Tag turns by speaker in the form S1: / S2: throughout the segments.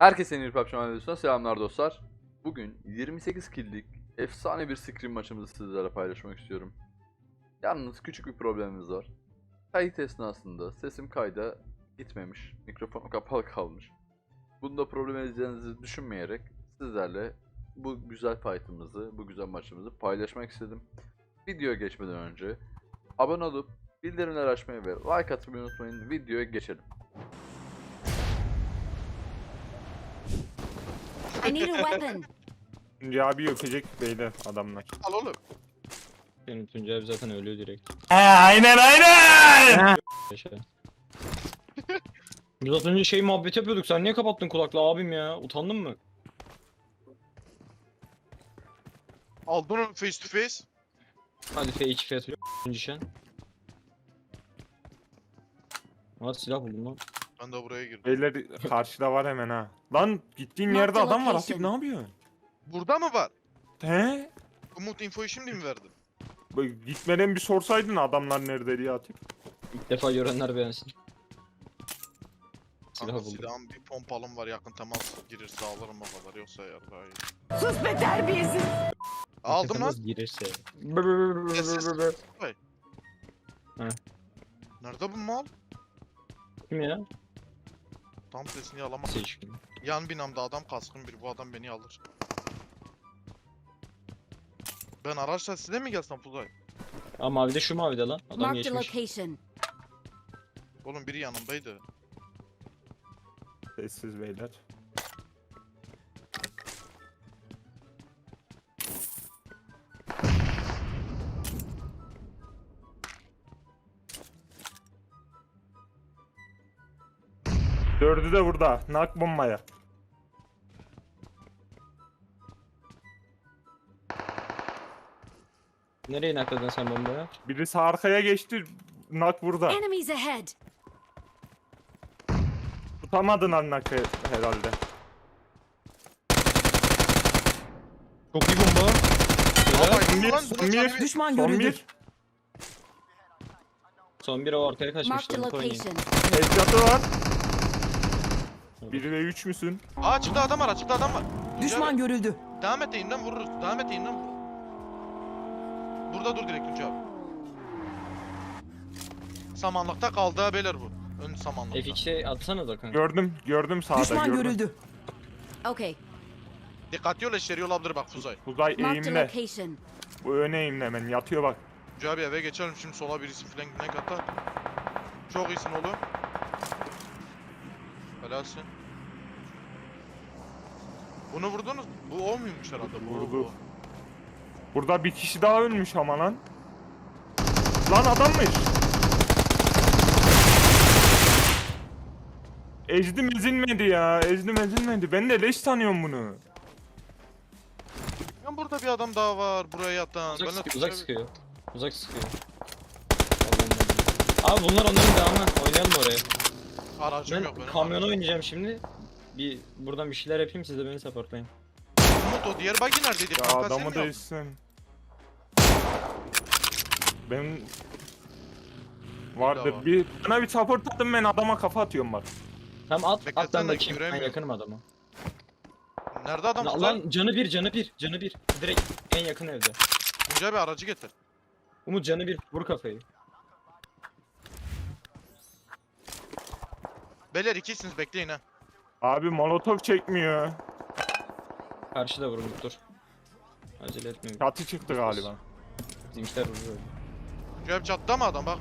S1: Herkese yeni bir PUBG Mobile videosundan selamlar dostlar. Bugün 28 kill'lik efsane bir scrim maçımızı sizlerle paylaşmak istiyorum. Yalnız küçük bir problemimiz var. Kayıt esnasında sesim kayda gitmemiş, mikrofon kapalı kalmış. Bunda problem edeceğinizi düşünmeyerek sizlerle bu güzel fight'ımızı, bu güzel maçımızı paylaşmak istedim. Videoya geçmeden önce abone olup bildirimleri açmayı ve like atmayı unutmayın. Videoya geçelim.
S2: I need a weapon.
S3: Tuncay abi öpecek beyler adamlar.
S4: Al oğlum.
S5: Benim Tuncay abi zaten ölüyor direkt.
S3: Aynen.
S5: Yaşa. Biz az önce muhabbet yapıyorduk. Sen niye kapattın kulaklığı abim ya? Utandın mı?
S4: Aldın onu face to face.
S5: Hadi F2 F atıyor. Şen. Hadi silah buldum lan.
S4: Ben de buraya girdim.
S3: Beyler karşıda var hemen ha. Lan gittiğin
S2: Mark
S3: yerde
S2: the
S3: adam var
S2: location.
S3: Atif, ne yapıyorsun?
S4: Burada mı var?
S3: He?
S4: Umut infoyu şimdi mi verdin?
S3: Gitmeden bir sorsaydın adamlar nerede diye Atif.
S5: İlk defa görenler beğensin. Silah
S4: Kanka
S5: buldum.
S4: silahım bir pompalım var, yakın temas girirse alırım o kadar, yoksa eğer daha iyi.
S2: Sus be terbiyesiz.
S4: Aldım lan.
S5: Nasıl girerse.
S4: Nerede bu mal?
S5: Kim ya?
S4: Tam sesini alamam.
S5: Seçkin.
S4: Yan binamda adam, kaskın bir, bu adam beni alır. Ben araçla size mi gelsem Fuzay?
S5: Aa mavide şu mavide lan. Adam
S2: Marked a
S5: geçmiş.
S2: location.
S4: Oğlum biri yanımdaydı.
S3: Sessiz beyler. Dördü de burada. Nak bombaya.
S5: Nereye nakladın sen bombaya?
S3: Birisi arkaya geçti. Nak burada.
S2: Enemies ahead.
S3: Tutamadın lan nakı herhalde.
S5: Çok iyi bomba.
S4: Aa,
S3: Son bir,
S4: lan,
S3: son
S4: bunun
S3: bir,
S4: canı
S2: Düşman
S3: son
S2: görüldü.
S3: bir.
S5: Son bir o arkaya
S2: Marked
S5: kaçmıştı.
S2: a
S5: Onu oynayın.
S2: location.
S3: Headshot'ı var. 1 ve 3 müsün?
S4: Aa, çıktı adam var, açıkta adam var.
S2: Düşman görüldü.
S4: Devam et, eğimden vururuz. Devam et, eğimden vur. Burada dur direkt Tuncay abi. Samanlıkta kaldı ha beyler bu. Ön samanlıkta.
S5: F2'ye atsana da kanka.
S3: Gördüm sağda
S2: Düşman
S3: gördüm.
S2: görüldü. Okay.
S4: Dikkatli ol, eşleri olabilir bak Fuzay.
S3: Uzay
S2: Marked a
S3: eğimde.
S2: location.
S3: Bu öne eğimde hemen yatıyor bak.
S4: Tuncay abi eve geçelim, şimdi sola birisi filan ne atar. Çok iyisin oğlum. Helalsin. Bunu vurdunuz. Bu o muymuş herhalde? Bu
S3: Vurdu.
S4: o.
S3: Burada bir kişi daha ölmüş ama lan. Lan adammış. Ezdim ezilmedi ya. Ezdim ezilmedi. Ben de leş sanıyorum bunu.
S4: Ya burada bir adam daha var buraya yatan.
S5: Uzak
S4: Ben de
S5: sıkıyor,
S4: Tuncay
S5: uzak
S4: abi-
S5: sıkıyor. Uzak sıkıyor. Abi bunlar onların devamı. Oynayalım oraya.
S4: Aracım
S5: Ben
S4: yok benim.
S5: kamyona oynayacağım şimdi. Buradan bir şeyler yapayım, siz de beni supportlayın.
S4: Umut, o diğer buggy neredeydi?
S3: Ya
S4: Kanka, sen
S3: adamı
S4: mi
S3: da
S4: aldın?
S3: ezsin. Ben vardır
S4: var.
S3: bir bana bir support attım, ben adama kafa atıyorum bak.
S5: Tamam at
S4: Beklesene,
S5: ben bakayım. Ben
S4: göremiyorum.
S5: yakınım adama.
S4: Nerede adam Fuzay?
S5: Lan canı bir. Direkt en yakın evde.
S4: Tuncay abi aracı getir.
S5: Umut canı bir, vur kafayı.
S4: Beyler ikisiniz, bekleyin ha.
S3: Abi molotof çekmiyor.
S5: Karşıda vur Umut, dur. Acele etmeyin.
S3: Çatı çıktı galiba.
S5: Bizimkiler vuruyor.
S4: Tuncay abi çattı mı adam bak.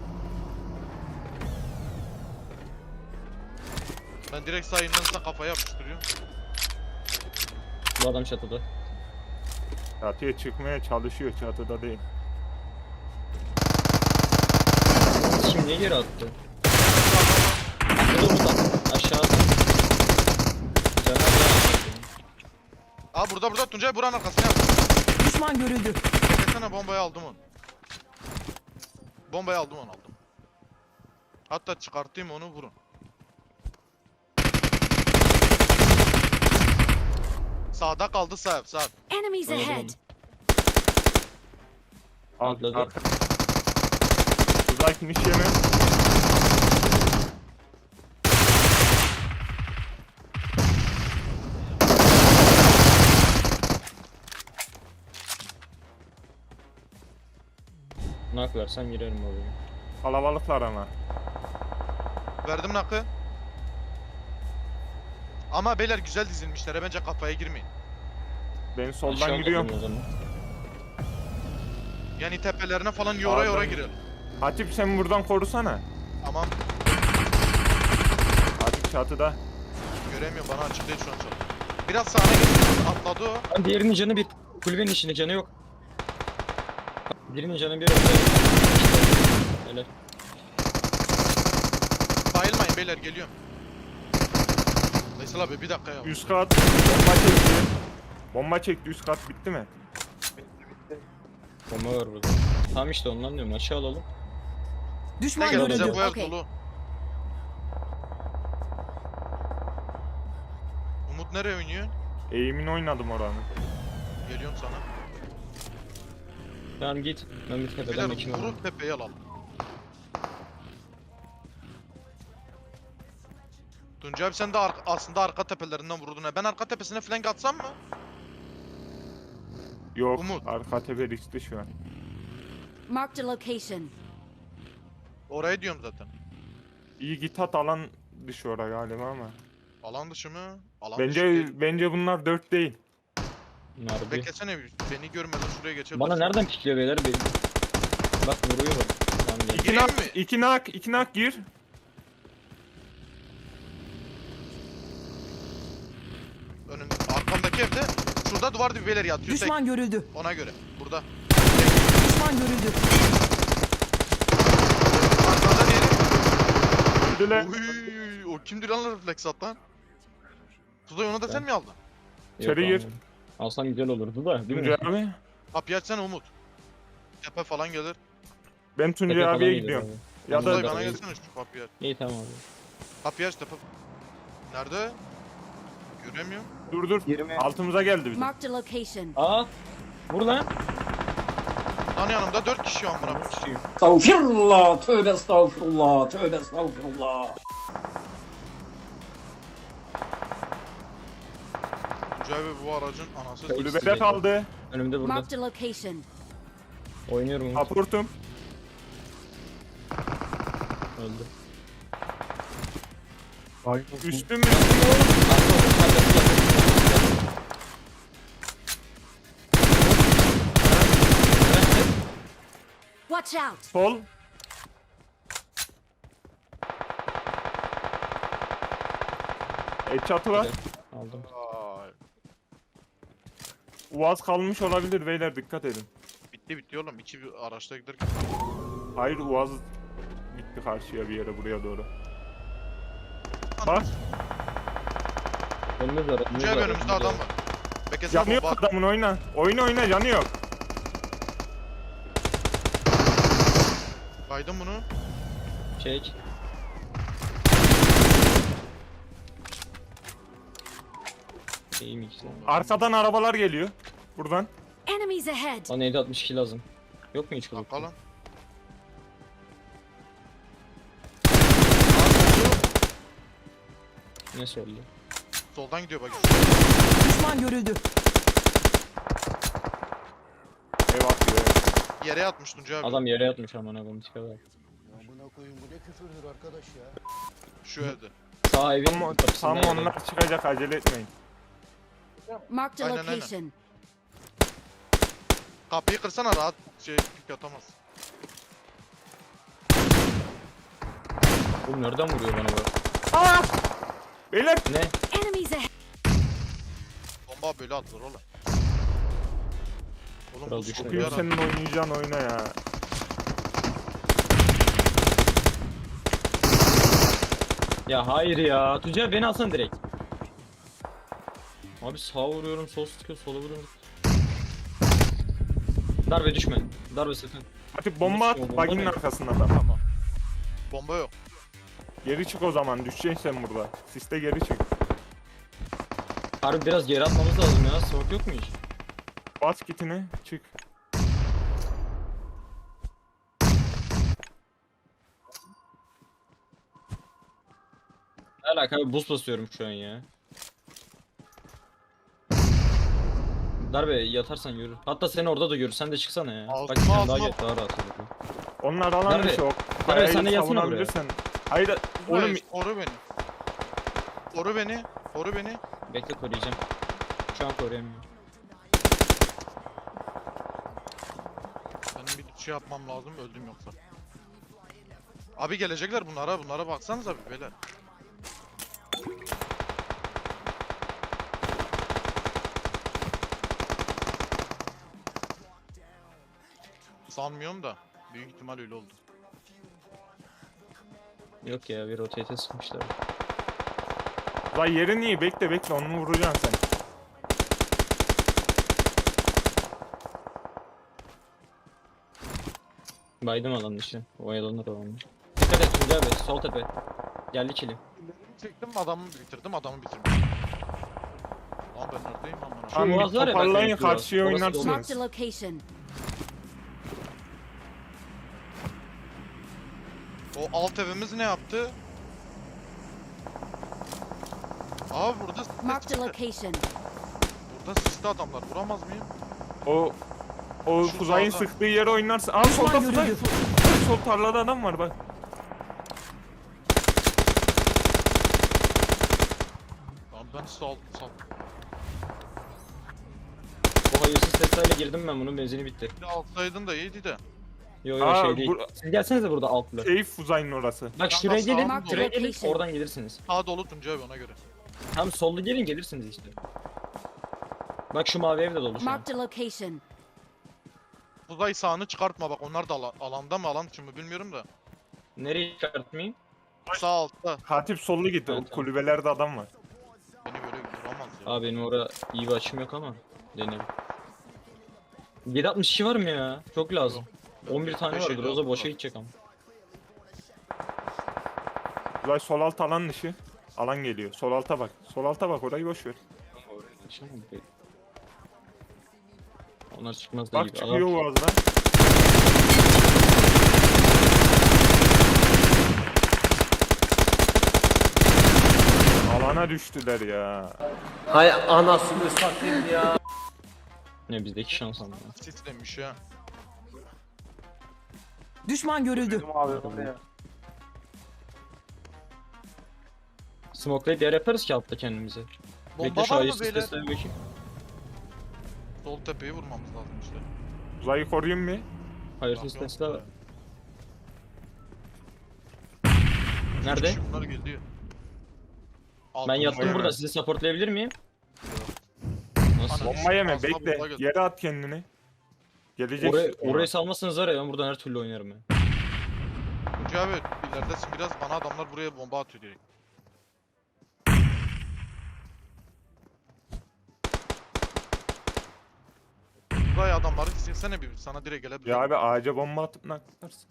S4: Ben direkt sayından size kafaya yapıştırıyorum.
S5: Bu adam çatıda.
S3: Çatıya çıkmaya çalışıyor, çatıda değil.
S5: Şimdi niye geri attı? Aşağıda Umut at. Aşağıda. Canı
S4: Aa, burada Tuncay, buranın arkasına yap.
S2: Düşman görüldü.
S4: Beklesene, bombayı aldım onu. Bombayı aldım. Hatta çıkartayım onu, vurun. Sağda kaldı, sağ.
S2: Enemies
S5: Oynadım
S2: ahead.
S5: Atladı.
S3: Arka. Uzay finish yeme.
S5: Nak versen girerim oraya.
S3: Kalabalıklar ama.
S4: Verdim nakı. Ama beyler güzel dizilmişler. Bence kafaya girmeyin.
S3: Ben soldan
S5: Aşağı
S3: giriyorum.
S5: bakalım o zaman.
S4: Yani tepelerine falan yora yora
S3: Sağdan.
S4: girelim.
S3: Hatip sen buradan korusana.
S4: Tamam.
S3: Hatip çatıda.
S4: Göremiyorum, bana açık değil şu an çok. Biraz sağına geçti. Atladı o.
S5: Lan diğerinin canı bir. Kulübenin içinde canı yok. Birinin canı bir orada. Helal.
S4: Bayılmayın beyler, geliyorum. Veysel abi bir dakika ya.
S3: Üst kat bomba çekti. Bomba çekti, üst kat bitti mi?
S5: Bomba var burada. Tamam işte ondan diyorum, aşağı alalım.
S4: Ne
S2: Düşman
S4: gel bize
S2: görüldü.
S4: bu ev
S2: Okay.
S4: dolu. Umut nereye oynuyor?
S3: Eğimin oynadım oranı.
S4: Geliyorum sana.
S5: Tamam git. Ben bir tepeden
S4: Beyler
S5: bakayım.
S4: vurun tepeyi alalım. Tuncay abi sen de aslında arka tepelerinden vurdun ha. Ben arka tepesine flank atsam mı?
S3: Yok,
S4: Umut.
S3: arka tepe riskli şu an.
S2: Marked a location.
S4: Oraya diyorum zaten.
S3: İyi git at, alan dışı oraya galiba ama.
S4: Alan dışı mı? Alan dışı değil.
S3: Bence bunlar 4 değil.
S5: Harbi.
S4: Beklesene bir. Beni görmeden şuraya geçebilirsin.
S5: Bana nereden pikliyor beyler? Bak vuruyor bak. Tamam gel.
S3: İki
S4: Gireyim
S3: nak,
S4: mi?
S3: iki nak gir.
S4: Önünde. Arkamdaki evde. Şurada duvar dibi beyler yatıyor.
S2: Düşman görüldü.
S4: Tek. Ona göre. Burada.
S2: Düşman görüldü.
S4: Arkada diyelim.
S3: Öldüler.
S4: Uy, o kimdir lan refleks at lan? Tuzay onu da sen mi aldın?
S3: İçeri
S5: Yok,
S3: gir.
S5: almadım. Alsam güzel olurdu da değil mi?
S3: Tuncay abi.
S4: Kapıyı açsana Umut. Tepe falan gelir.
S3: Ben
S5: Tepe
S3: Tuncay
S5: falan
S3: abiye
S5: gelir
S3: gidiyorum.
S5: abi.
S3: Ya
S4: Tuzay
S3: da
S4: bana gelsene şu kapıyı aç.
S5: İyi tamam abi.
S4: Kapıyı aç tepe. Nerede? Göremiyorum.
S3: dur. Altımıza geldi bizim.
S2: Marked a location.
S5: Aa! Vur lan.
S4: Lan yanımda 4 kişi var amına.
S6: Estağfirullah, tövbe estağfirullah, tövbe estağfirullah.
S4: Tuncay abi bu aracın anası.
S5: Kayıp.
S3: Kulübede kaldı.
S5: Önümde burada.
S2: Marked a location.
S5: Oynuyorum Umut.
S3: Aportum.
S5: Öldü.
S3: Üstüm.
S2: Watch out.
S3: Sol. Çatı var.
S5: Aldım.
S4: Ay,
S3: Uaz kalmış olabilir beyler, dikkat edin.
S4: bitti oğlum. İki bir araçta giderken.
S3: Hayır, Uaz gitti karşıya bir yere, buraya doğru. Bak,
S5: Önümüz var.
S4: Tuncay abi önümüzde adam var. Beklesene
S3: canı yok
S4: bomba.
S3: adamın, oyna. Oyna canı yok.
S4: Kaydım bunu.
S5: Çek. İyi mi ikisi?
S3: Arkadan arabalar geliyor. Buradan.
S2: Enemies ahead.
S5: Bana 762 lazım. Yok mu hiç kılık?
S4: Bakalım.
S5: Ne söyledi?
S4: Soldan gidiyor bak.
S2: Düşman görüldü.
S3: Ev atıyor. ev.
S4: Yere yatmış Tuncay abi.
S5: Adam yere yatmış amına koyayım tipe bak.
S7: Amına koyayım, bu ne küfürdür arkadaş ya.
S4: Şu evde.
S5: Sağ evin
S3: Tam
S5: kapısında yere.
S3: onlar çıkacak, acele etmeyin.
S2: Marked a
S4: Aynen, aynen.
S2: location.
S4: Kapıyı kırsana, rahat pik atamaz.
S5: Oğlum nereden vuruyor bana bak?
S3: Beyler,
S5: Ne?
S2: Enemies ahead.
S4: Bomba böyle atılır oğlum. Oğlum
S5: Kral
S4: bu
S5: düştü.
S4: çok
S3: bugün
S4: yarar.
S3: senin oynayacağın oyna ya.
S5: Ya hayır ya. Tuncay beni alsana direkt. Abi sağa vuruyorum, sol sıkıyor, sola vuruyorum. Darbe düşme. Darbe sakın.
S3: Hatip bomba at,
S5: Bomba
S3: baginin
S5: ne?
S3: arkasında da.
S4: Tamam. Bomba yok.
S3: Geri çık o zaman, düşeceksin sen burada. Siste geri çık.
S5: Harbi biraz geri atmamız lazım ya. Smoke yok mu hiç?
S3: Bas kitini, çık.
S5: Ne alaka abi, boost basıyorum şu an ya. Darbe yatarsan yürü. Hatta seni orada da görür. Sen de çıksana ya.
S4: Altıma
S5: Bak bir tane daha
S4: altıma.
S5: gel, daha rahat olur.
S3: Onlar alan
S5: Nerede?
S3: dışı o.
S5: Nerede?
S3: Kayayı
S5: Sen de gelsene
S3: savunabilirsen. Hayır oğlum
S4: Oğlum koru beni. Koru beni. Koru beni.
S5: Bekle koruyacağım. Şu an koruyamıyorum.
S4: Benim bir şey yapmam lazım, öldüm yoksa. Abi gelecekler bunlara baksanız abi beyler. Sanmıyorum da büyük ihtimal öyle oldu.
S5: Yok ya bir rotate'e sıkmışlar.
S3: lan yerin iyi bekle onu vuracaksın sen.
S5: Baydım alan dışı. Oyalanır o an. Dikkat et Tuncay abi sol tepe. Geldi kilim.
S4: Çektim adamı bitirdim. Lan ben neredeyim amına?
S3: Tamam
S5: Uaz
S3: bir
S5: var ya,
S3: toparlayın
S5: bak,
S3: karşıya
S5: orası
S3: oynarsınız.
S2: Marked a location.
S4: O alt evimiz ne yaptı? Abi burada
S2: Marked a
S4: sisli.
S2: location.
S4: Burada sisli adamlar. Vuramaz mıyım?
S3: O
S4: Şu
S3: Kuzay'ın
S4: sağda.
S3: sıktığı yere oynarsın. Aa solda Kuzay. Sol tarlada adam var bak.
S4: Tamam ben sal.
S5: O hayırsız Tesla'yla girdim ben bunun benzini bitti.
S4: Bir de alsaydın da iyiydi de.
S5: Yo yo
S3: Aa,
S5: şey değil.
S3: bu-
S5: Siz gelsenize burada altlı.
S3: Keyif Kuzay'ın orası.
S5: Bak
S4: Kanka,
S5: şuraya gelin.
S4: sağ ol.
S5: Şuraya gelin
S2: Location.
S5: oradan gelirsiniz.
S4: Sağ dolu Tuncay abi ona göre.
S5: Tam sollu gelin gelirsiniz işte. Bak şu mavi ev de dolu şu an.
S2: Marked a location.
S4: Uzay sağını çıkartma bak onlar da alanda mı alan için mi bilmiyorum da.
S5: Nereye çıkartmayayım?
S4: Sağ altta.
S3: Hatip sollu gitti.
S5: Evet,
S3: O
S5: tamam.
S3: kulübelerde adam var.
S4: Beni böyle vuramaz ya.
S5: Abi benim orada iyi bir açım yok ama. Deneyelim. 762 var mı ya? Çok lazım. 11 tane var. Groza boşa gidecek ama.
S3: Kuzay sol alt alan dışı. Alan geliyor. Sol alta bak. Sol alta bak orayı boş ver.
S5: Onlar çıkmaz da
S3: Bak
S5: gibi.
S3: çıkıyor Uaz'dan. Alana düştüler ya.
S6: Hay anasını satayım ya.
S5: Ne bizdeki şans ama.
S4: Sis demiş ya.
S2: Düşman görüldü.
S5: Smoke'layıp yer yaparız ki altta kendimize.
S4: Bomba
S5: Bekle şu
S4: var mı
S5: ayırsız
S4: beyler?
S5: testlerine bakayım.
S4: Sol tepeyi vurmamız lazım işte.
S3: Uzayı koruyayım mı?
S5: Hayırsız
S4: Yok, yok.
S5: testler var.
S4: Üç
S5: Nerede?
S4: kişi bunlar geliyor.
S5: Ben
S4: Altımızda
S5: yattım
S3: yeme.
S5: burada. Sizi supportlayabilir miyim? Nasıl?
S4: Ana.
S3: Bomba yeme
S4: Asla bomba
S3: bekle.
S4: göz-
S3: Yere at kendini. Gelecek.
S5: Orayı salmasanız var ya ben buradan her türlü oynarım ya.
S4: Tuncay abi ileridesin biraz bana adamlar buraya bomba atıyor direkt. Buraya adamları silsene bir sana direkt gelebilir.
S3: Ya abi ağaca bomba atıp naklarsın.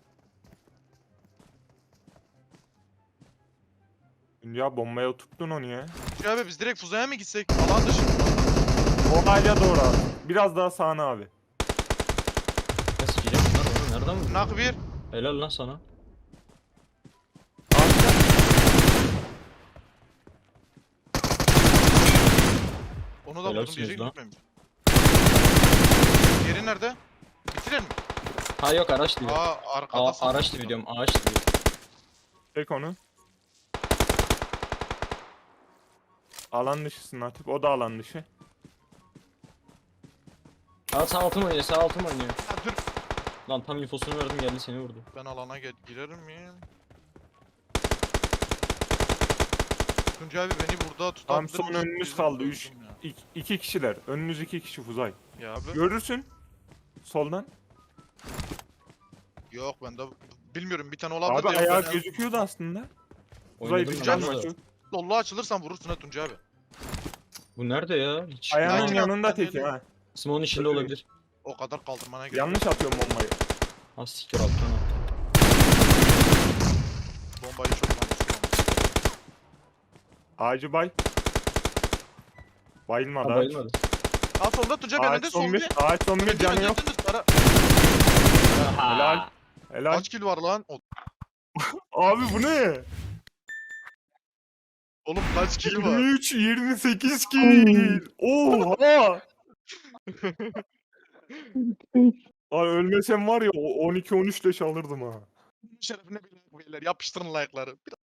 S3: Ya bombaya oturttun onu ya.
S4: Tuncay abi biz direkt Fuzay'a mı gitsek? Alan dışı.
S3: O ağaca doğru abi. Biraz daha sağına abi.
S5: Nasıl gireceğim bunlar oğlum? Nereden vurdun?
S4: Nak bir.
S5: Helal lan sana.
S4: Onu da vurdum
S5: Helalsiniz
S4: diyecek
S5: lan.
S4: gitmemiş. Yeri nerede? Bitirelim mi?
S5: Ha yok araç dibi.
S4: Arkada
S5: Araç dibi diyorum. Ağaç dibi.
S3: Çek onu. Alan dışısın Hatip. O da alan dışı.
S5: Ha sağ altım oynuyor. Sağ altım oynuyor.
S4: Ha, dur.
S5: Lan tam infosunu verdim geldi seni vurdu.
S4: Ben alana girerim miyim? Tuncay abi beni burada tutabilir
S3: Tam son
S4: misin?
S3: önünüz
S4: Bizim
S3: kaldı.
S4: öldüm
S3: 3
S4: ya.
S3: 2 kişiler. Önünüz 2 kişi Fuzay.
S4: Ya abi.
S3: Görürsün. Soldan.
S4: Yok ben de bilmiyorum bir tane olabilir
S3: Abi
S4: de yok.
S3: ayağı
S4: Ben-
S3: gözüküyordu aslında. Fuzay
S5: Oynadım
S3: bir
S5: ben
S3: can
S5: burada.
S3: maçı.
S4: Solluğa açılırsan vurursun ha Tuncay abi.
S5: Bu nerede ya? Hiç.
S3: Ayağının
S4: Belki
S3: yanında
S4: ben
S3: teki
S4: dedim.
S3: ha.
S5: Smoke'un içinde olabilir.
S4: O kadar kaldırmana gerek
S3: Yanlış atıyorum bombayı.
S5: Ha siktir alttan attım.
S4: Bombayı çok yanlış kullanmış.
S3: Ağacı bay. Bayılmadı
S5: Ha
S3: ağaç.
S5: bayılmadı.
S4: Al sonunda Tuncay abi
S3: Ağaç
S4: önünde
S3: son
S4: son
S3: bir.
S4: bir.
S3: Ağaç son bir canı yok. Helal. Helal.
S4: Kaç kill var lan?
S3: Abi bu ne?
S4: Oğlum kaç kill var?
S3: 23 28 kill. Oha. Lan ölmesem var ya o 12-13 leş alırdım ha.
S4: Şerefine bir like beyler. Yapıştırın like'ları.